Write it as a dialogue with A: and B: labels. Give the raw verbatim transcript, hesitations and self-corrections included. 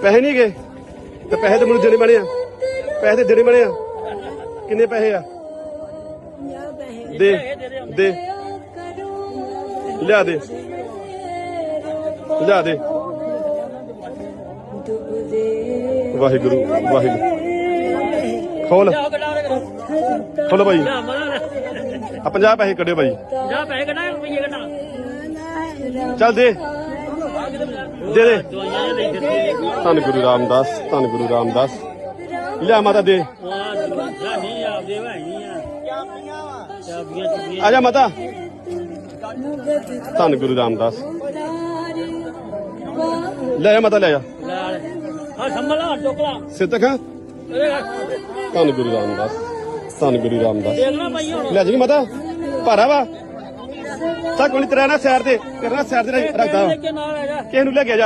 A: ਪੈਸੇ ਨਹੀਂ ਗਏ ਤੇ ਪੈਸੇ ਤੇ ਮੈਨੂੰ ਦੇਣੇ ਬਣੇ ਆ ਪੈਸੇ ਤੇ ਦੇਣੇ ਬਣੇ ਆ ਕਿੰਨੇ ਪੈਸੇ ਆ ਦੇ ਦੇ ਲਿਆ ਦੇ ਲਿਆ ਦੇ ਵਾਹਿਗੁਰੂ ਵਾਹਿਗੁਰੂ ਖੋਲ ਖੋਲ ਭਾਈ ਆ ਪੰਜਾਹ ਪੈਸੇ ਕੱਢਿਓ ਭਾਈ
B: ਪੰਜਾਹ ਪੈਸੇ ਕੱਢਾਂ ਰੁਪਈਏ ਕੱਢਾਂ
A: ਚੱਲ ਦੇ ਦੇ ਦੇ ਧੰਨ ਗੁਰੂ ਰਾਮਦਾਸ ਧੰਨ ਗੁਰੂ ਰਾਮਦਾਸ ਲਿਆ ਮਾਤਾ ਦੇ ਆ ਜਾ ਮਾਤਾ ਧੰਨ ਗੁਰੂ ਰਾਮਦਾਸ ਲੈ ਜਾ ਮਾਤਾ ਲੈ ਜਾ ਸਿੱਧਕ ਧੰਨ ਗੁਰੂ ਰਾਮਦਾਸ ਧੰਨ ਗੁਰੂ ਰਾਮਦਾਸ ਲੈ ਜੀ ਮਾਤਾ ਭਾਰਾ ਵਾ ਸਾ ਕੋਈ ਤੇਰਾ ਨਾ ਸੈਰ ਤੇ ਕਰਨਾ ਸੈਰ ਤੇ ਰੱਖਦਾ ਕਿਸੇ ਨੂੰ ਲੈ ਕੇ ਜਾ